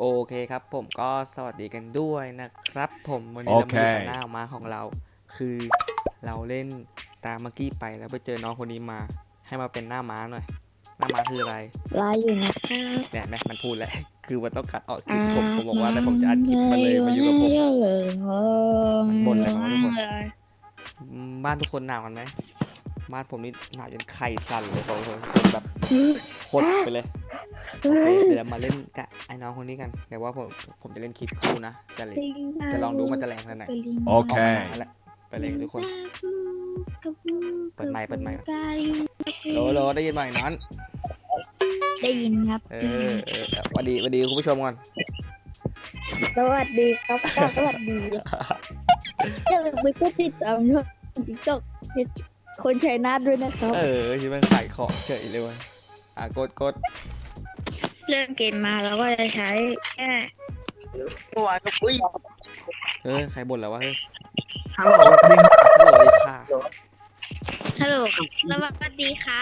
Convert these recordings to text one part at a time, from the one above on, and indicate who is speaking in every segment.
Speaker 1: โอเคครับผมก็สวัสดีกันด้วยนะครับผมวันนี้เรามาอยู่กับหน้าม้าของเราคือเราเล่นตามเมื่อกี้ไปแล้วไปเจอน้องคนนี้มาให้มาเป็นหน้าม้าหน่อยหน้าม้าคืออะไร
Speaker 2: รออยู่นะครับ
Speaker 1: เนี่ยแม่มันพูดแหละคือมันต้องกัดออกคลิปผมบอกว่าแต่ผมจะอัดคลิปมาเลยมาอยู่กับผมมันบ่นอะไรมาวะทุกคนบ้านทุกคนหนาวกันไหมบ้านผมนี่หนาวจนไข่สั่นเลยบอกเลยคนแบบหดไปเลยโอเคเดี๋ยวเรามาเล่นกับไอ้น้องคนนี้กันแต่ว่าผมจะเล่นคลิปคู่นะจะลองดูมันจะแรงขนาดไหน
Speaker 3: โอเค
Speaker 1: นั่นแหละไปเลยทุกคนเปิดไมค์โลได้ยินไหมน้อง
Speaker 2: ได้ยินครับ
Speaker 1: สวัสดีคุณผู้ชมก่อน
Speaker 2: สวัสดีครับสวัสดีอย่าลืมไปกดติดตามช่องติ๊กต็อกคนชัยนาทด้วยนะครับ
Speaker 1: ที่มันขายของเฉยเลยว่ะกด
Speaker 2: เริ่มเกมมาแล้วก็จะใช้แค่
Speaker 3: ตัวอุ้ย
Speaker 1: ใครบ่นแล้ววะ
Speaker 3: ฮัลโหล
Speaker 1: ค่ะ
Speaker 2: ฮัลโหลสวัสดีค่ะ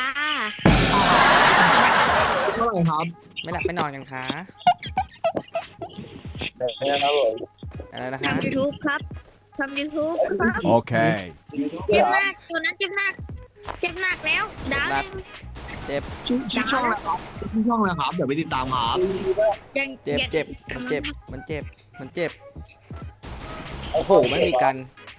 Speaker 3: เท่าไหร่ครับ
Speaker 1: ไม่หลับไม่นอนกันคะอะไรนะคะ
Speaker 2: ทำ YouTube ครับทำ YouTube ครับ
Speaker 3: โอเค
Speaker 2: เจ็บหนักตัวนั้นเจ็บหนักแล้วดาว
Speaker 1: เจ็บ
Speaker 3: ชื่อช่องอะไรครับชื่อช่องอะไรครับเดี๋ยวไปติดตามครับ
Speaker 1: เจ็บมันเจ็บโอ้โหไม่มีกัน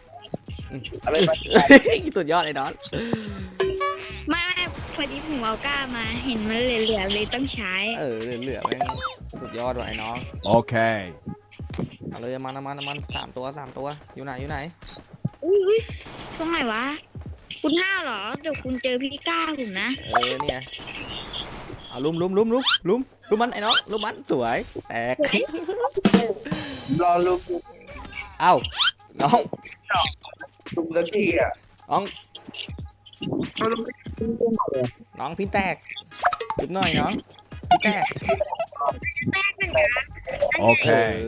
Speaker 1: สุดยอดเลยน้อง
Speaker 2: ไม่พอดีผมเอาก้ามาเห็นมันเหลือเลยต้องใช้
Speaker 1: เหลือแม่งสุดยอดว่ะไอ้น้อง
Speaker 3: โอเค
Speaker 1: เอาเลยมัน3 ตัวอยู่ไหน
Speaker 2: ตรงไหนวะคุณห้าเหรอเดี๋ยวคุณเจอพี่ก้าผมนะ
Speaker 1: เนี่ยเอาลุมมันไอ้น้องลุมมันสวยแตก
Speaker 3: รอลุม
Speaker 1: เอ้าน้อง
Speaker 3: ลุมสักทีอ่ะ
Speaker 1: น้องพี่แตกจุดหน่อยน้องพี่แตก
Speaker 3: โอเค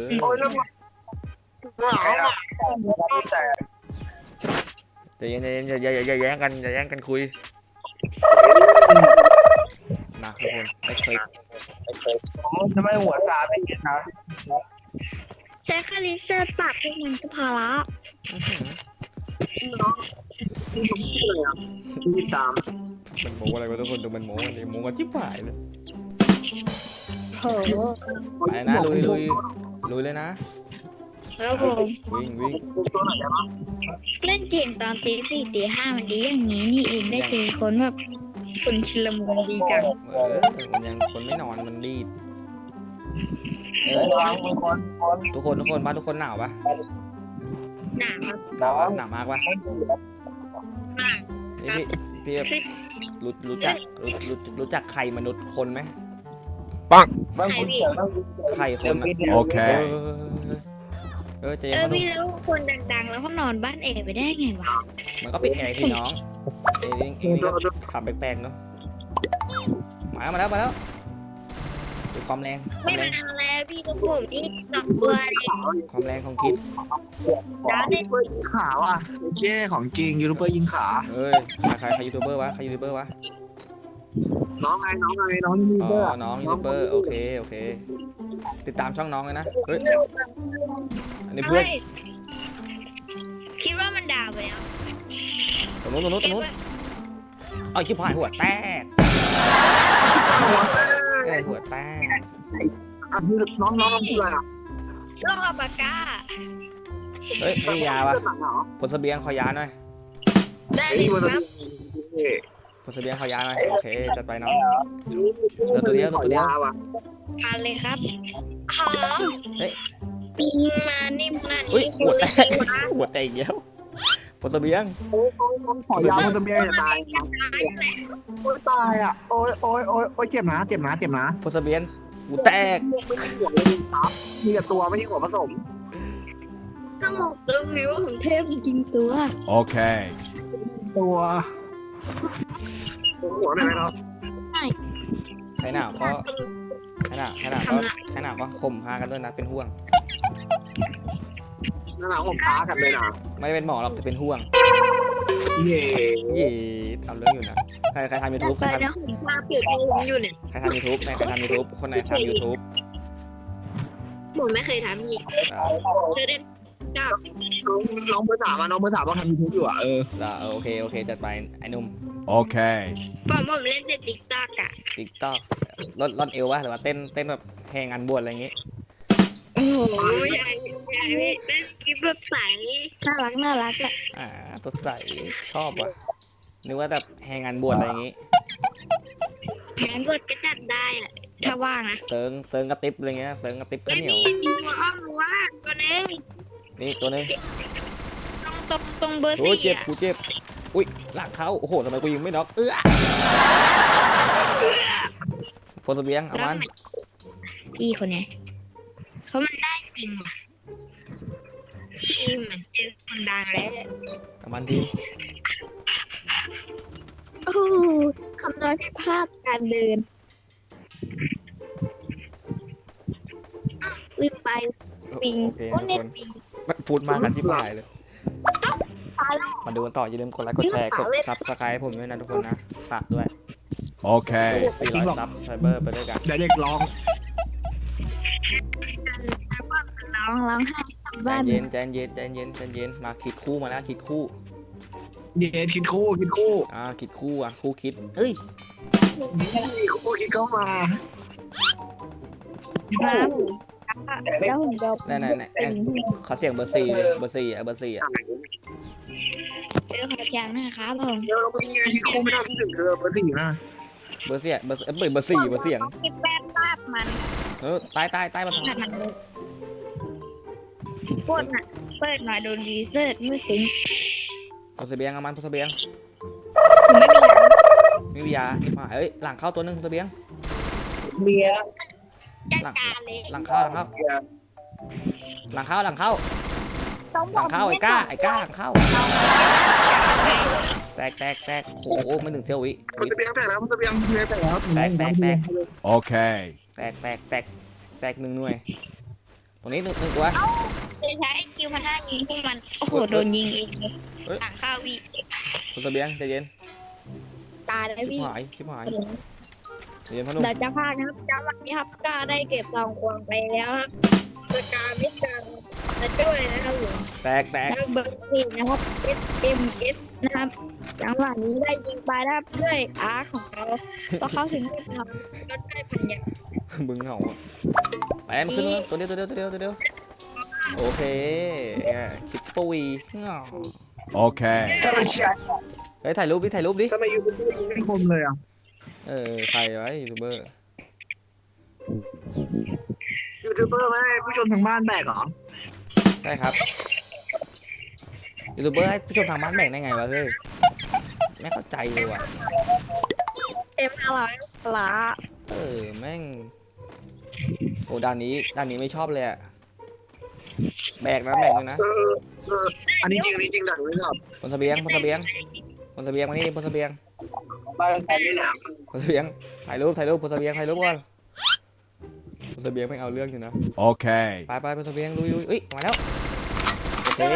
Speaker 1: อย่าแย่งกันคุยนะทุกคนไม่เคย
Speaker 3: ทำไมหัวซาเป็นอย่างนั้น
Speaker 2: ใช้คาลิเซอร์ปรับให้มันก็พอละ
Speaker 3: ที่ตาม
Speaker 1: มันโม้อะไรวะทุกคนดูมันโม้เลยโม้กันชิบหายเลยไปนะลุยเลยนะ
Speaker 2: แล้วผม
Speaker 1: วิ่ง
Speaker 2: เล่นเกมตอนตี 4 ตี 5มันดีอย่างนี้นี่เองได้เจอคนแบบคนชิลมุนดีจัง
Speaker 1: มันยังคนไม่นอนมันดีดทุกคนบ้านทุกคนหนาวปะ
Speaker 2: ห
Speaker 1: นาวมากปะนี่พี่รู้จักไข่มนุษย์คนไหม
Speaker 3: ปัง
Speaker 1: ไข่คน
Speaker 3: โอเค
Speaker 1: จะยัง
Speaker 2: พี่แล้วคนดังๆแล้วเขานอนบ้านเอไปได้ไงวะ
Speaker 1: มันก็ปิดแอร์ที่น้องนี่ก็ขับแปลกๆเนาะมาแล้วดูความแรง
Speaker 2: ไม่มาแล้วพี่กับผมนี่2 ตัวเลย
Speaker 1: ความแรงของคิด
Speaker 2: ดาวเนี่ย
Speaker 3: ยิงขาว่ะเจ้ของจริงยูทูบเบอร์ยิงขา
Speaker 1: ใครยูทูบเบอร์วะ
Speaker 3: น้องยูทูบเบอร์
Speaker 1: น้องยูทูบเบอร์โอเคติดตามช่องน้องเลยนะอันนี้เพื่อน
Speaker 2: คิดว่ามันดาวไปแล้ว
Speaker 1: ตรงนู้นเอาชิบหายหัวแตกหัวแตก
Speaker 3: น้องคืออะไรอ่ะ
Speaker 2: โลกอัปกา
Speaker 1: นี่ยาวะผลเสบียงขอยาหน่อย
Speaker 2: ได้เลยครับ
Speaker 1: ผลเสบียงขอยาหน่อยโอเคจัดไปน้องตัวเดียว
Speaker 2: ผ่านเลยครับหอมมานิ่มขนาดนี้
Speaker 1: หัวแตกเยอะผลเสบียง
Speaker 3: ขอยาผลเสบียงจะตายตายอ่ะโอ้ยเจ็บนะ
Speaker 1: ผลเสบียงหัวแตก
Speaker 3: มีแต่ตัวไม่ใช่หัวผสม
Speaker 2: ถ้าบอกเรื่องนี้ว่าของเทพจริงตัว
Speaker 3: โอเคตัวหัวไหนเนาะ
Speaker 1: ใครหนาวก็ข่มพากันด้วยนะเป็นห่วง
Speaker 3: หนาวข่มพากันเลยนะ
Speaker 1: ไม่เป็นหมอหรอกจะเป็นห่วงทำเรื่องอยู่นะใครทำ YouTube ใครทำ
Speaker 2: YouTube อยู่เนี่ย
Speaker 1: ใครทำ YouTube คนไหนทำ YouTube
Speaker 2: ผมไม่เคยทำอีก
Speaker 1: อ่า
Speaker 2: เคยเล่นชอบ
Speaker 3: น้องเบอร์สามน้องเบอร์สามว่าทำยูทูบอยู่
Speaker 1: โอเคโอเคจัดไปไอ้หนุ่ม
Speaker 4: Okay.
Speaker 2: ผมเล่นแต่ติ๊กต็อกอ่ะ
Speaker 1: ติ๊กต็อกลดเอววะหรือว่าเต้นแบบแหงงานบวชอะไรอย่างงี้
Speaker 2: โอ้โหใหญ่เล่นคลิปแบบใสน่ารักอ่ะ
Speaker 1: ตัวใสชอบว่ะนึกว่าแบบแหงงานบวชอะไรอย่างงี้
Speaker 2: งานบวชก็จัดได้อ่ะถ้าว่างนะ
Speaker 1: เซิงกระติบอะไรเงี้ยเซิงกระติบข้าวเหนียว
Speaker 2: มีตัวอ้อมว่างตัวนึง
Speaker 1: นี่ตัวนึง
Speaker 2: ตรงเบอร์
Speaker 1: โอ้ย
Speaker 2: สี่
Speaker 1: เจ็บ
Speaker 2: อ่ะ
Speaker 1: กูเจ็บอุ้ยหลักเขาโอ้โหทำไมกูยิงไม่น็อกพลเสบียงเอามัน
Speaker 2: พี่คนเนี้ยเขามันได้จริงว่ะพี่เหมือนเจอคนดังแล้ว
Speaker 1: เอามันทีม
Speaker 2: โอ้คำนวณผิดพลาดการเดินลืมไปปิง
Speaker 1: โอเค
Speaker 2: โอ้
Speaker 1: ทุก
Speaker 2: เน็ต
Speaker 1: คน
Speaker 2: ปิง
Speaker 1: พูดมากกันที่ปลายเลย
Speaker 2: ตายแล้ว
Speaker 1: มาดูกันต่ออย่าลืมกดไลค์กดแชร์กดซับสไครต์ผมด้วยนะทุกคนนะฝากด้วย
Speaker 4: Okay.
Speaker 1: 400ซับไซเบอร์ไปด้วยกัน
Speaker 3: เดี๋ยวเด็กร้อง
Speaker 2: ร้องไห้กลับ
Speaker 1: ใจ
Speaker 2: บ้าน
Speaker 1: เย็นใจเย็นมาคิดคู่มาแล้วคิดคู่
Speaker 3: เดี๋ยวคิดคู่
Speaker 1: คิดคู่อ่ะคู่คิดเอ้ย
Speaker 3: คู่คิดเข้ามา
Speaker 2: แล้วผมจะ
Speaker 1: ไหนเขาเสียงเบอร์สี่เลยเบอร์สี่อ่ะ
Speaker 2: เจอขอแจงนะครับผม
Speaker 3: เดี๋ยวเราไปคิดคู่ไม่ได้ที่หนึ่งเบอร์สี่นะ
Speaker 1: เบอร์สี่เบอร์สี่เบอร์เสียง
Speaker 2: คิดแป๊บภาพมัน
Speaker 1: ตายมาสอง
Speaker 2: มันปวดน่ะเปิดมาโดนดีเซอร์ไม่ถึง
Speaker 1: พลเสบียงเอามันพลเสบียง
Speaker 2: ผมไม่มียา
Speaker 1: ไม่มียาที่มาเอ้ยหลังเข้าตัวนึงพลเสบียง
Speaker 3: เมีย
Speaker 2: จัดการเลย
Speaker 1: หลังเข้าไอ้ก้าหลังเข้าแตกโอ้โหไม่ถึงเซี่ยววิ
Speaker 3: มันจะเบียงแต่แล้วมันจะเบียงแต่แล้ว
Speaker 4: Okay.
Speaker 1: แตกหนึ่งหน่วยตรงนี้หนึ่งตัว
Speaker 2: จะใช้ไอคิวมา5ยิงพวกมันโอ้โหโดนยิงเองเลยหลังข้าววี
Speaker 1: พลเสบียงใจเย็น
Speaker 2: ตายแล้วพี่
Speaker 1: ชิบหายใจเย็นพ่อหนุ่ม
Speaker 2: เราจะพลาดนะครับจังหวะนี้ครับกล้าได้เก็บซองควงไปแล้วครับสกาไม่จังจะช่วยนะครับผม
Speaker 1: แตก
Speaker 2: แล้วเบอร์สี่นะครับ SMS นะครับจังหวะนี้ได้ยิงไปนะครับด้วยอาร์ของเขาพอเข้าถึงจุดเราก็ได้พันยา
Speaker 1: บึงเหงาไปมันขึ้นตัวเดียวโอเคคิดปุย
Speaker 4: Okay.
Speaker 3: จะเป็นแชท
Speaker 1: เฮ้ยถ่ายรูปดิ
Speaker 3: ทำไมยูทูบไม่คมเลยอ่ะ
Speaker 1: ใครไว้ยูทูบเบอร์
Speaker 3: ยูทูบเบอร์ไม่ให้ผู้ชมทางบ้านแบกเหรอ
Speaker 1: ใช่ครับยูทูบเบอร์ให้ผู้ชมทางบ้านแบ่งได้ไงวะเฮ้ยไม่เข้าใจเลยว่ะ
Speaker 2: เต็มอร่อยปลา
Speaker 1: แม่งโอ้ด่านนี้ไม่ชอบเลยอะแบกเลยนะ
Speaker 3: อันนี้จริงดังเลยครับ
Speaker 1: บนเสบียงมานี่บนเสบียง
Speaker 3: บ้านแต่ไม่หนาว
Speaker 1: บนเสบียงถ่ายรูปบนเสบียงถ่ายรูปก่อนบนเสบียงไม่เอาเรื่องอยู่นะ
Speaker 4: Okay.
Speaker 1: ไปบนเสบียงลุยเอ้ยมาแล้วโอเค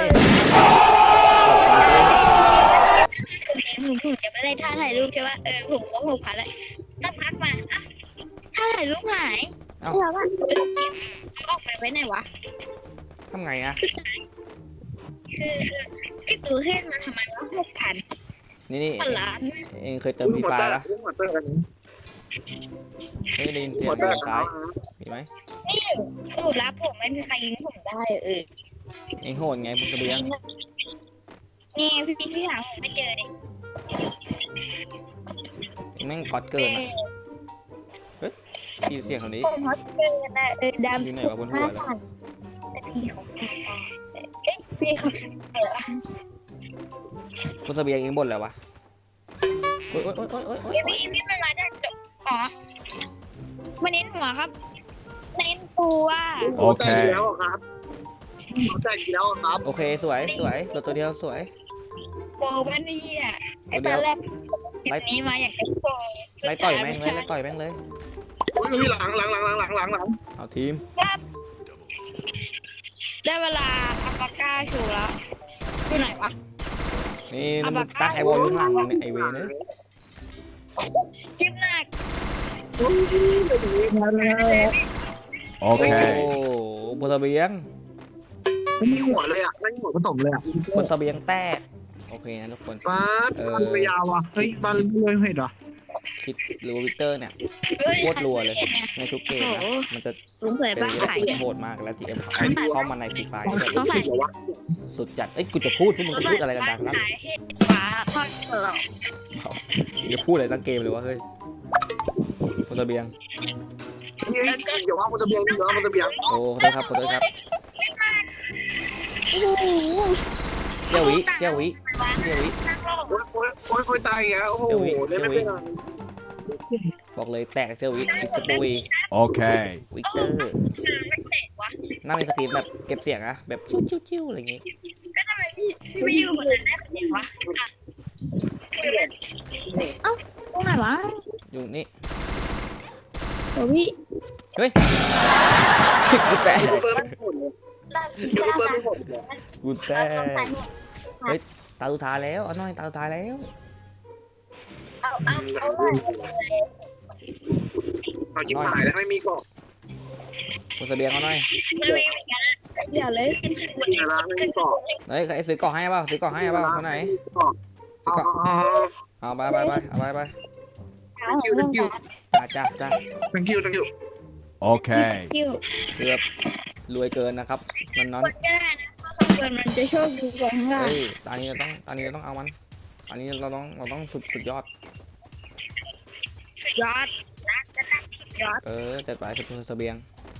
Speaker 2: ผมจะไม่ได้ท่าถ่ายรูปใช่ไหมผมก็ผูกพันเลยสักพักมาท่าถ่ายรูปหายแล้วว่าออกไปไว้ไหนวะ
Speaker 1: ทำไงอะ
Speaker 2: คือดูขึ้นมาทำไมว่า6,000
Speaker 1: นี่
Speaker 2: พันล้าน
Speaker 1: เองเคยเติมพีไฟปะไม่ได้ยินเสียงทางซ้ายมีไหม
Speaker 2: นี่สูตรลับผมไม่มีใครยิงผมได้
Speaker 1: เองโหดไงบนเสบียง
Speaker 2: นี่พี่หลังผมไม่เจอเลย
Speaker 1: เองแม่งก๊อตเกินอะพี่เสียงคนนี้
Speaker 2: ผมฮอตเจอนะดำ
Speaker 1: อยู่ไหนวะบนหัวเลย
Speaker 2: แต่พี่ของพี่เขา
Speaker 1: บนเสบียงเองบ่นแล้ววะโอ๊ย
Speaker 2: พี่มันมาจากอ๋อมาเน้นหัวครับเน้นตัว
Speaker 3: แต่แล้วครับแต่แล้วครับ
Speaker 1: โอเคสวยตัวเดียวสวย
Speaker 2: โบมันนี่อ่ะไอ้ตอนแรกนี้มาอยากจะโบ
Speaker 1: ไล่ต่อยแม่งเลย
Speaker 3: อุ้ยหลัง
Speaker 1: เอาทีม
Speaker 2: ได้เวลาอัปปาก้าชูแล้วอยู่ไหนวะ
Speaker 1: นี่มึงตั้งไอวอลข้างหลังเนี่ยไอเวเนอ
Speaker 2: คลิปหนัก
Speaker 1: โอ้
Speaker 4: Okay.
Speaker 1: บบนเสบียง
Speaker 3: ไม่มีหัวเลยอ่ะไม่มีหัวผสมเลยอ่ะ
Speaker 1: บนเสบียงแตกโอเคนะทุกคน
Speaker 3: บ้านมันไปยาวอ่ะเฮ้ยบ้านเลยเห็นเหรอ
Speaker 1: คิดหรือว่าวิกเตอร์เนี่ย
Speaker 2: เฮ้ย
Speaker 1: โคตรรัวเลยในทุกเกมนะมันจะ
Speaker 2: ลุงเผย
Speaker 1: เป็น
Speaker 2: บ้าน
Speaker 1: เรื่อง
Speaker 2: ไข่
Speaker 1: ที่โหดมากแล้วทีเอ็มเข้ามาในฟรีไฟ
Speaker 2: ต้องใส่
Speaker 1: สุดจัดเอ้ยกูจะพูดพวกมึงจะพูดอะไรกันดังนั้น
Speaker 2: ขายให้ฟ้าทอดกรอบ
Speaker 1: อย่าพูดอะไรตั้งเกมเลยวะเฮ้ยบนเสบียง
Speaker 3: นี่เดี๋ยวว่ามันจะเบียงเดี๋ยวว่ามันจะเบียง
Speaker 1: โอ้ขอโทษครับขอโทษครับ
Speaker 2: โอ้โห
Speaker 1: เซี่ยววิเซี่ยววิเซี่ยววิ
Speaker 3: โอ้ยตายอ่ะโอ้โหเล่นไม่เป็น
Speaker 1: บอกเลยแตกเซี่ยววิคิดสปุย
Speaker 4: Okay.
Speaker 1: วิกเตอร์น่าเป็นสตรีมแบบเก็บเสียงอะแบบชิ้วๆอะไรอย่างงี้
Speaker 2: ไม่อยู่บนนั้นได้เป็นยังวะเอ้าตรงไหนวะ
Speaker 1: อยู่นี่
Speaker 2: โอ้พี่
Speaker 1: เฮ้ยกูแตก
Speaker 3: ยูทูบเบอร์ไม่หมดเลยยูทูบเบอร์ไม่หมดเลย
Speaker 1: กูแตกตาสุดท้ายแล้วเอาหน่อยตาสุดท้ายแล้ว
Speaker 3: เอาชิบหายแล้วไม่มีกล่อง
Speaker 1: บนเสบียงเอาหน่อย
Speaker 2: อย่าเลย
Speaker 3: ไม่มีแล้วไม่มีกล่อง
Speaker 1: เฮ้ยใครซื้อกล่องให้เปล่าซื้อกล่องให้เปล่าคนไหนซื้อกล่องเอาไปเอาไป
Speaker 3: thank you
Speaker 1: จ้า
Speaker 3: thank you thank you
Speaker 4: Okay.
Speaker 2: คิว
Speaker 1: คือแบบรวยเกินนะครับนอน
Speaker 2: ก็ได้นะเพราะคำเกินมันจะโชคดีกว่าข้างล่าง
Speaker 1: เฮ้ยตอนนี้เราต้องเอามันอันนี้เราต้องสุดยอด
Speaker 2: ยอด
Speaker 1: จัดไปสุดเสบียง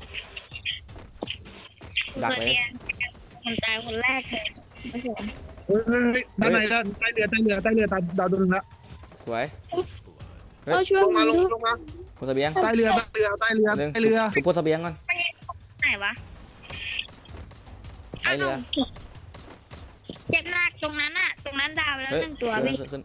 Speaker 1: ดักเลย
Speaker 2: คนตายคนแรกเลยไม่ใช่
Speaker 3: ด้านในด้านใต้เรือดาวดึงละ
Speaker 1: สวย
Speaker 2: เอาช่วย
Speaker 3: ลง
Speaker 2: มั
Speaker 3: มาน ล
Speaker 2: ดู
Speaker 3: งมา
Speaker 1: บนเสบียง
Speaker 3: ใต้เรือ
Speaker 1: หนึ่งสุดบนเสบียงก่อน
Speaker 2: ไหนวะ
Speaker 1: ไอเรือ
Speaker 2: เจ็บมากตรงนั้นอะตรงนั้นดาวแล้ว
Speaker 1: เฮ้ย
Speaker 2: หนึ่งตัวพี่
Speaker 1: ขึ้น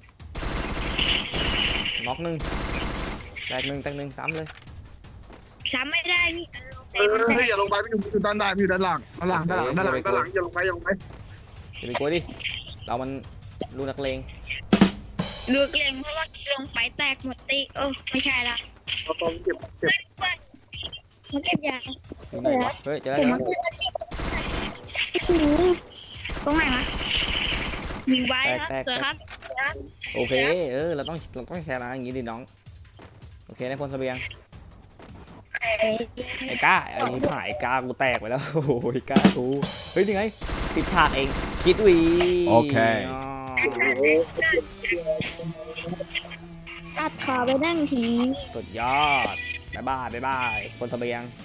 Speaker 1: น็อกหนึ่งแตกหนึ่งซ้ำเลย
Speaker 2: ซ้ำไม่ได้พี่
Speaker 3: อย่าลงไปไม่อยู่ด้านใต้อยู่ด้านหลังอย่าลงไปอย่าลงไป
Speaker 1: อย่าไปกลัวดิเรามันลูกนักเลง
Speaker 2: ดูเกรงเพราะว่าลงไปแตกหมดตีไม่ใช่ละ
Speaker 3: เอาตรงเก็บ
Speaker 2: มันเก็บยา
Speaker 1: อยู่ไหนวะเฮ้ยเจอแล้ว
Speaker 2: ตรงไหนวะยิงไว้ครับเสือครับ
Speaker 1: โอเคเราต้องแชร์ร้านอย่างงี้ดิน้องโอเคในพลเสบียงไอ้ก้าอันนี้ผ่ายก้ากูแตกไปแล้วโอ้ยก้ากูเฮ้ยยังไงติดฉากเองคิดวี
Speaker 4: โอเค
Speaker 2: ตัดขาไปนั่งที
Speaker 1: สุดยอดบ๊ายบายพลเสบียง